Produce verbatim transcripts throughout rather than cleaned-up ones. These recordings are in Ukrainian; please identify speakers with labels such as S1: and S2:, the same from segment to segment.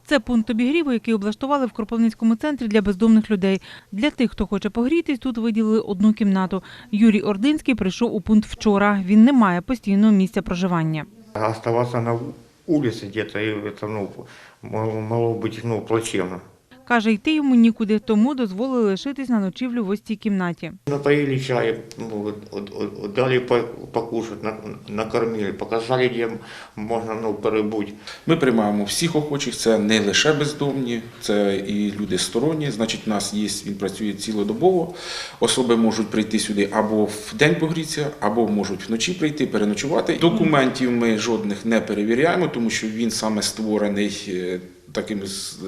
S1: Це пункт обігріву, який облаштували в Кропивницькому центрі для бездомних людей. Для тих, хто хоче погрітись, тут виділили одну кімнату. Юрій Ординський прийшов у пункт вчора. Він не має постійного місця проживання.
S2: Оставаться на вулиці где-то, это, ну, могло бути, ну, плачевно.
S1: Каже, йти йому нікуди, тому дозволили лишитись на ночівлю в ось цій кімнаті.
S2: Напоили чай, ну, дали покушать, накормили, показали, де можна, ну, перебути.
S3: Ми приймаємо всіх охочих, це не лише бездомні, це і люди сторонні. Значить, у нас є, він працює цілодобово. Особи можуть прийти сюди або в день погрітися, або можуть вночі прийти, переночувати. Документів ми жодних не перевіряємо, тому що він саме створений таким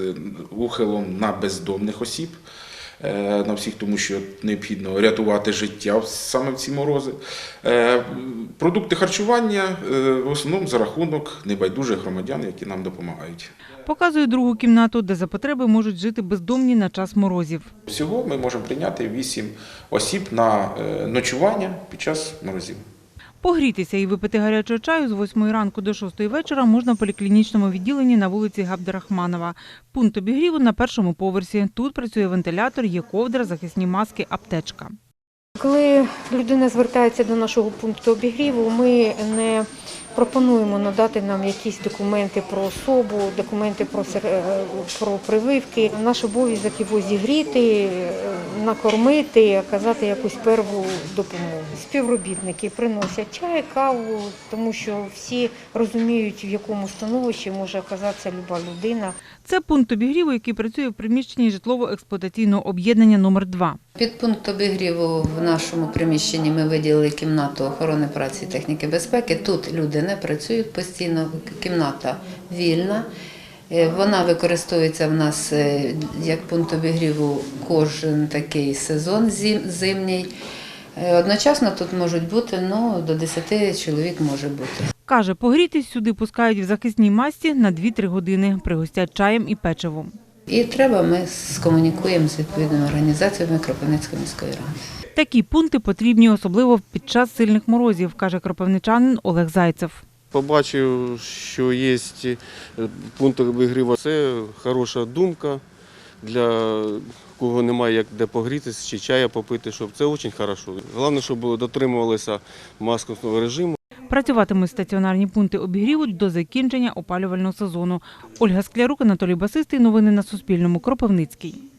S3: ухилом на бездомних осіб, на всіх, тому що необхідно рятувати життя саме в ці морози. Продукти харчування в основному за рахунок небайдужих громадян, які нам допомагають.
S1: Показує другу кімнату, де за потреби можуть жити бездомні на час морозів.
S3: Всього ми можемо прийняти вісім осіб на ночування під час морозів.
S1: Погрітися і випити гарячого чаю з восьмої ранку до шостої вечора можна в поліклінічному відділенні на вулиці Габдрахманова. Пункт обігріву на першому поверсі. Тут працює вентилятор, є ковдра, захисні маски, аптечка.
S4: Коли людина звертається до нашого пункту обігріву, ми не пропонуємо надати нам якісь документи про особу, документи про, про прививки. Наш обов'язок його зігріти, накормити, оказати якусь перву допомогу. Співробітники приносять чай, каву, тому що всі розуміють, в якому становищі може оказатися люба людина.
S1: Це пункт обігріву, який працює в приміщенні житлово-експлуатаційного об'єднання номер два.
S5: Під пункт обігріву в нашому приміщенні ми виділили кімнату охорони праці і техніки безпеки. Тут люди не працюють постійно, кімната вільна. Вона використовується в нас як пункт обігріву кожен такий сезон зимній. Одночасно тут можуть бути, ну, до десяти чоловік може бути.
S1: Каже, погрітись сюди пускають в захисній масці на дві-три години, пригостять чаєм і печивом.
S5: І треба, ми скомунікуємо з відповідними організаціями Кропивницької міської ради.
S1: Такі пункти потрібні особливо під час сильних морозів, каже кропивничанин Олег Зайцев.
S6: Побачив, що є пункт обігріву. Це хороша думка для кого немає як де погрітися чи чая попити, щоб це дуже добре. Головне, щоб дотримувалися маскового режиму.
S1: Працюватимуть стаціонарні пункти обігріву до закінчення опалювального сезону. Ольга Склярук, Анатолій Басистий. Новини на Суспільному. Кропивницький.